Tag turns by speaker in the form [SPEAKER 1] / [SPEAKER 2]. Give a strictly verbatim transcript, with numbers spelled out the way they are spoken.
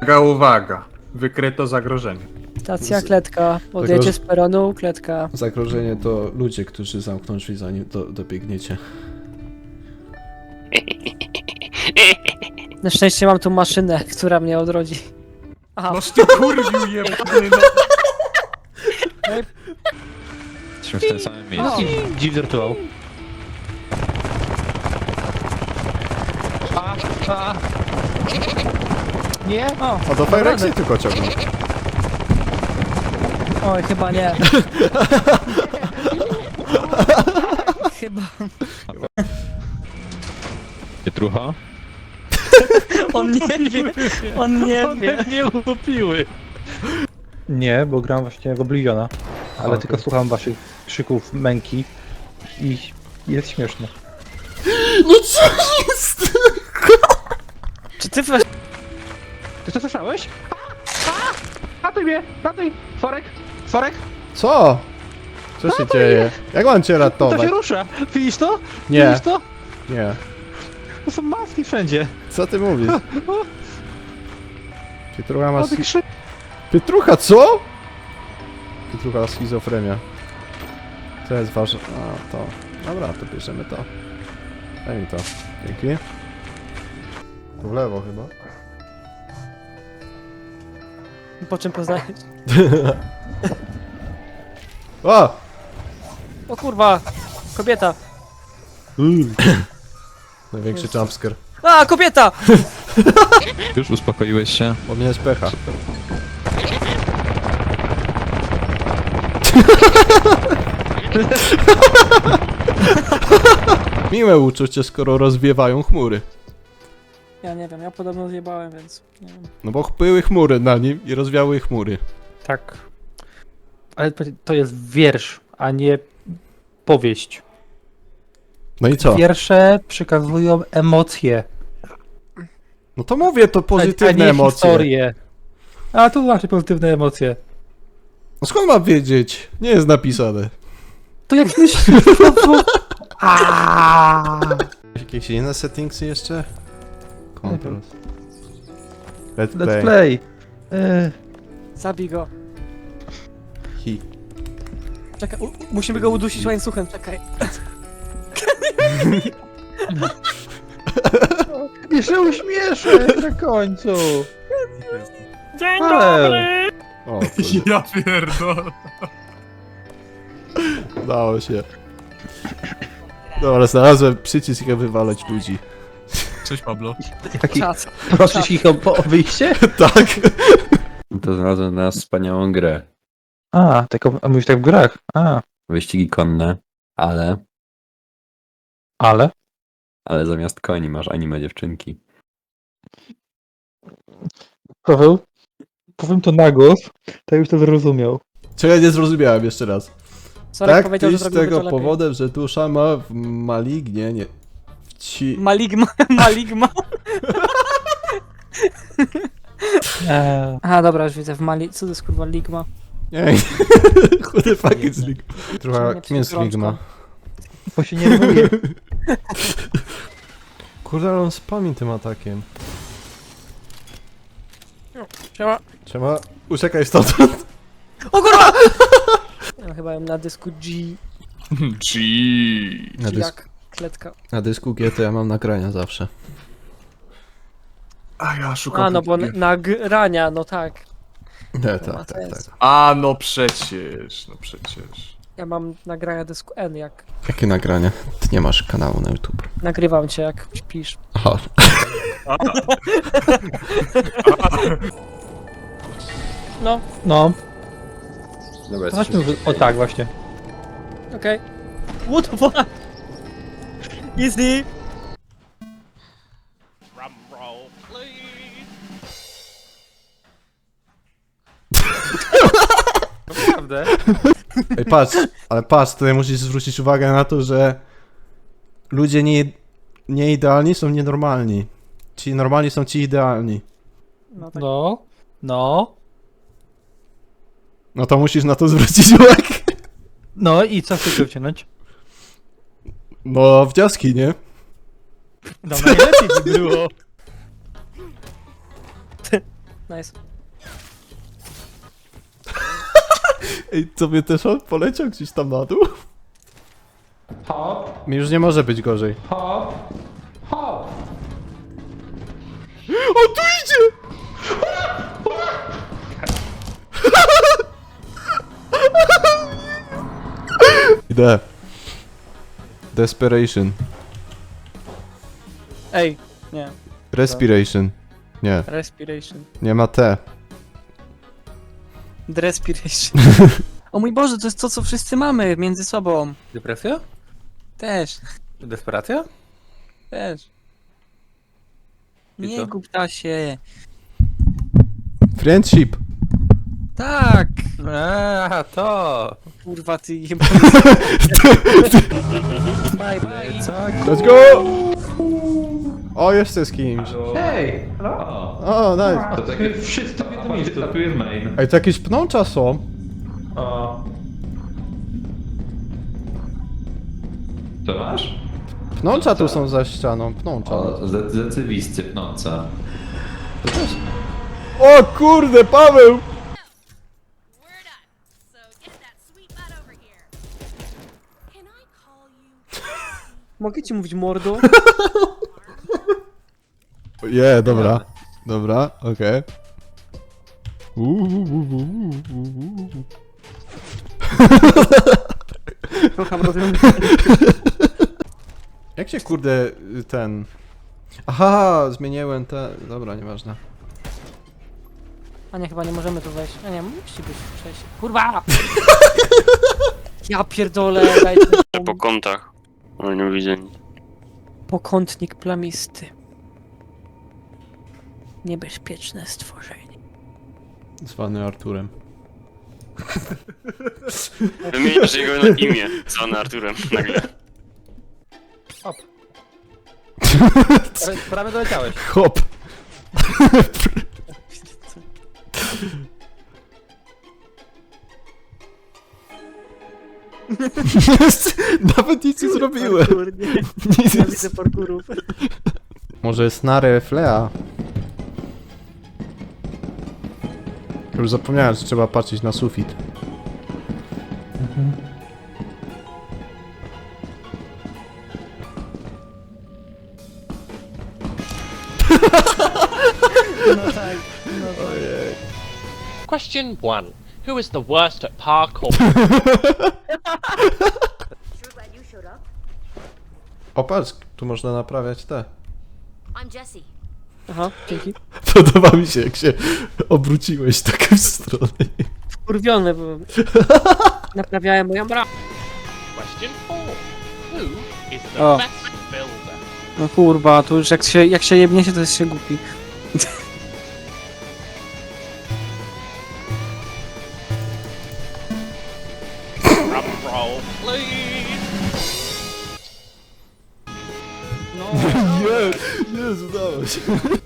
[SPEAKER 1] Uwaga, uwaga. Wykryto zagrożenie.
[SPEAKER 2] Stacja, kletka. Odjedzie z peronu, kletka.
[SPEAKER 3] Zagrożenie to ludzie, którzy zamkną drzwi zanim do, dobiegniecie.
[SPEAKER 2] Na szczęście mam tu maszynę, która mnie odrodzi. Aha,
[SPEAKER 1] Noż ty kurwiu jebany, no.
[SPEAKER 4] Jesteśmy w tym samym miejscu.
[SPEAKER 2] no.
[SPEAKER 5] Dziw wirtuał. A, a. Nie? O,
[SPEAKER 3] A do Fire Exit tylko ciągną.
[SPEAKER 2] Oj, chyba nie. Chyba.
[SPEAKER 4] Pietrucha?
[SPEAKER 2] On nie wie. On nie wie.
[SPEAKER 5] nie utopiły. Nie, bo gram właśnie w Obliviona. Ale
[SPEAKER 3] Okay.
[SPEAKER 5] tylko słucham waszych krzyków męki i jest śmieszne.
[SPEAKER 3] No co jest?
[SPEAKER 2] Czy ty weź...
[SPEAKER 5] Ty to słyszałeś? A! A! Ratuj mnie! Ratuj! Forek! Forek!
[SPEAKER 3] Co? Co się dzieje? Jak mam cię
[SPEAKER 5] To
[SPEAKER 3] ratować?
[SPEAKER 5] się rusza! Widzisz to?
[SPEAKER 3] Nie,
[SPEAKER 5] Widzisz to?
[SPEAKER 3] nie.
[SPEAKER 5] To są maski wszędzie!
[SPEAKER 3] Co ty mówisz? Pietrucha ma...
[SPEAKER 5] O, ty krzyk!
[SPEAKER 3] Pietrucha, co? Pietrucha schizofrenia. Co jest ważne? A, to. Dobra, to bierzemy to. Daj mi to. Dzięki. Tu w lewo chyba.
[SPEAKER 2] Po czym poznać?
[SPEAKER 3] O!
[SPEAKER 2] O kurwa! Kobieta!
[SPEAKER 3] Największy
[SPEAKER 2] Jest.
[SPEAKER 3] jumpscare.
[SPEAKER 2] A, kobieta!
[SPEAKER 4] Już uspokoiłeś się?
[SPEAKER 3] Bo mnie jest pecha. Miłe uczucie, skoro rozwiewają chmury.
[SPEAKER 2] Ja nie wiem, ja podobno zjebałem, więc nie wiem.
[SPEAKER 3] No bo były chmury na nim i rozwiały chmury.
[SPEAKER 5] Tak. Ale to- to jest wiersz, a nie powieść.
[SPEAKER 3] No i co?
[SPEAKER 5] Wiersze przekazują emocje,
[SPEAKER 3] No to mówię, to
[SPEAKER 5] a
[SPEAKER 3] pozytywne
[SPEAKER 5] nie
[SPEAKER 3] emocje.
[SPEAKER 5] historie. A tu właśnie pozytywne emocje.
[SPEAKER 3] No skąd mam wiedzieć? Nie jest napisane.
[SPEAKER 5] To jak myślisz?
[SPEAKER 3] Jakieś inne settingsy jeszcze? Controls. Let's play.
[SPEAKER 5] Let's play. E,
[SPEAKER 2] Zabij go.
[SPEAKER 3] Hi.
[SPEAKER 2] Czekaj, u- musimy go udusić łańcuchem, czekaj.
[SPEAKER 5] Jeszcze uśmieszę na końcu.
[SPEAKER 2] Dzień
[SPEAKER 5] dobry!
[SPEAKER 3] O, kurde,
[SPEAKER 1] Ja pierdolę.
[SPEAKER 3] udało się. Dobra, znalazłem przycisk, jak wywalać ludzi.
[SPEAKER 1] Cześć Pablo.
[SPEAKER 5] Jaki,
[SPEAKER 2] Czas.
[SPEAKER 5] prosisz ich o, o wyjście?
[SPEAKER 3] Tak.
[SPEAKER 4] To znalazłem na nas wspaniałą grę.
[SPEAKER 5] A, tak, a mówisz tak w grach. A,
[SPEAKER 4] Wyścigi konne, ale...
[SPEAKER 5] ale?
[SPEAKER 4] Ale zamiast koni masz anime dziewczynki.
[SPEAKER 5] Paweł, powiem to na głos, tak już to zrozumiał.
[SPEAKER 3] Czego nie zrozumiałem jeszcze raz.
[SPEAKER 2] Sorek
[SPEAKER 3] Tak,
[SPEAKER 2] powiedział, że
[SPEAKER 3] pisz z
[SPEAKER 2] zrobimy
[SPEAKER 3] tego
[SPEAKER 2] to lepiej.
[SPEAKER 3] powodem, że dusza ma w malignie, nie... W ci...
[SPEAKER 2] Maligma, maligma.
[SPEAKER 5] Eee,
[SPEAKER 2] Aha, dobra, już widzę, w Mali... Co to jest kurwa ligma?
[SPEAKER 3] Nie, who the fuck is Ligma? Trochę,
[SPEAKER 2] Nie
[SPEAKER 3] kim jest
[SPEAKER 2] przygrączka.
[SPEAKER 3] Ligma?
[SPEAKER 5] bo się nie rymuje.
[SPEAKER 3] Kurde, ale on spami tym atakiem.
[SPEAKER 2] Siema.
[SPEAKER 3] Trzeba... Uciekaj stąd.
[SPEAKER 2] O kurwa! Ja chyba ją na dysku G,
[SPEAKER 1] G.
[SPEAKER 3] Na,
[SPEAKER 2] G
[SPEAKER 3] dysk...
[SPEAKER 2] jak kletka.
[SPEAKER 3] Na dysku G to ja mam nagrania zawsze.
[SPEAKER 1] A ja szukam...
[SPEAKER 2] A, no bo
[SPEAKER 1] takich-
[SPEAKER 2] nagrania, no tak.
[SPEAKER 3] Nie,
[SPEAKER 2] To ma
[SPEAKER 3] tak, tak,
[SPEAKER 2] sens.
[SPEAKER 3] tak.
[SPEAKER 1] A, no przecież, no przecież.
[SPEAKER 2] Ja mam nagrania dysku N, jak
[SPEAKER 3] Jakie nagrania? Ty nie masz kanału na YouTube.
[SPEAKER 2] nagrywam cię, jak śpisz.
[SPEAKER 3] Aha.
[SPEAKER 2] No,
[SPEAKER 5] No,
[SPEAKER 4] Dobra,
[SPEAKER 5] to chodźmy w... O tak, właśnie.
[SPEAKER 2] okej. What the fuck? Easy!
[SPEAKER 5] Naprawdę?
[SPEAKER 3] Ej, patrz, ale patrz, tutaj musisz zwrócić uwagę na to, że ludzie nie, nieidealni są nienormalni. Ci normalni są ci idealni.
[SPEAKER 2] No tak.
[SPEAKER 5] No, no.
[SPEAKER 3] No to musisz na to zwrócić uwagę.
[SPEAKER 5] No i co chcesz wciągnąć?
[SPEAKER 3] No, wnioski, nie?
[SPEAKER 5] No najlepiej by było.
[SPEAKER 2] Nice.
[SPEAKER 3] Ej, co mnie też on poleciał gdzieś tam na dół?
[SPEAKER 5] Hop,
[SPEAKER 3] Mi już nie może być gorzej.
[SPEAKER 5] hop, hop.
[SPEAKER 3] O, tu idzie! Idę. Desperation.
[SPEAKER 2] Ej, nie.
[SPEAKER 3] Respiration. Nie,
[SPEAKER 2] Respiration.
[SPEAKER 3] nie ma T.
[SPEAKER 2] Respiration. O mój Boże, to jest to, co wszyscy mamy między sobą.
[SPEAKER 6] Depresja?
[SPEAKER 2] Też,
[SPEAKER 6] Desperacja?
[SPEAKER 2] też.
[SPEAKER 6] I
[SPEAKER 2] Nie
[SPEAKER 6] co?
[SPEAKER 2] gub się.
[SPEAKER 3] Friendship.
[SPEAKER 2] Tak!
[SPEAKER 6] A, to!
[SPEAKER 2] Kurwa, ty jeba. Bye, bye.
[SPEAKER 3] Let's go! O, jeszcze z kimś.
[SPEAKER 5] Hej!
[SPEAKER 3] O, nice.
[SPEAKER 5] To takie wszyscy w jednym miejscu. Tu jest main.
[SPEAKER 3] Ej, to jakieś pnącza są.
[SPEAKER 5] O. Co masz?
[SPEAKER 3] Pnącza tu są za ścianą, pnącza.
[SPEAKER 4] O, rzeczywisty pnąca.
[SPEAKER 3] O kurde, Paweł!
[SPEAKER 7] We're done. So get that sweet butt over here. Can I call you?
[SPEAKER 2] Mogę ci mówić mordo?
[SPEAKER 3] Je, dobra. Dobra, okej.
[SPEAKER 2] Kocham rozwiązanie.
[SPEAKER 3] Jak się kurde y, ten... Aha, zmieniłem te... Dobra, nieważne.
[SPEAKER 2] A nie, chyba nie możemy tu wejść. A nie, musi być przejście. Kurwa! Ja pierdolę, dajcie mi
[SPEAKER 8] Po kątach. Ale nie widzę nic.
[SPEAKER 2] Pokątnik plamisty. Niebezpieczne stworzenie.
[SPEAKER 3] Zwany Arturem.
[SPEAKER 8] Wymienisz jego na imię, zwany Arturem, nagle.
[SPEAKER 6] Prawie, prawie doleciałeś.
[SPEAKER 3] Hop! Nawet nic nie zrobiłem.
[SPEAKER 2] Parkour, nie.
[SPEAKER 3] Nic
[SPEAKER 2] Ja
[SPEAKER 3] nie...
[SPEAKER 2] widzę parkurów.
[SPEAKER 3] Może snary flea? Już zapomniałem, że trzeba patrzeć na sufit.
[SPEAKER 2] No tak, no tak.
[SPEAKER 9] Question one. Who is the worst at parkour?
[SPEAKER 3] O patrz, tu można naprawiać te.
[SPEAKER 7] I'm Jessie.
[SPEAKER 2] Aha, dzięki.
[SPEAKER 3] Podoba mi się, jak się obróciłeś tak w stronę.
[SPEAKER 2] Wkurwiony, bo naprawiałem moją bramę.
[SPEAKER 9] Question four. Who is the
[SPEAKER 2] Oh.
[SPEAKER 9] best builder?
[SPEAKER 2] No kurwa, tu już jak się, jak się jebnie się, to jest się głupi.
[SPEAKER 9] Drum roll, please.
[SPEAKER 2] No.
[SPEAKER 3] Nie, nie, udało się.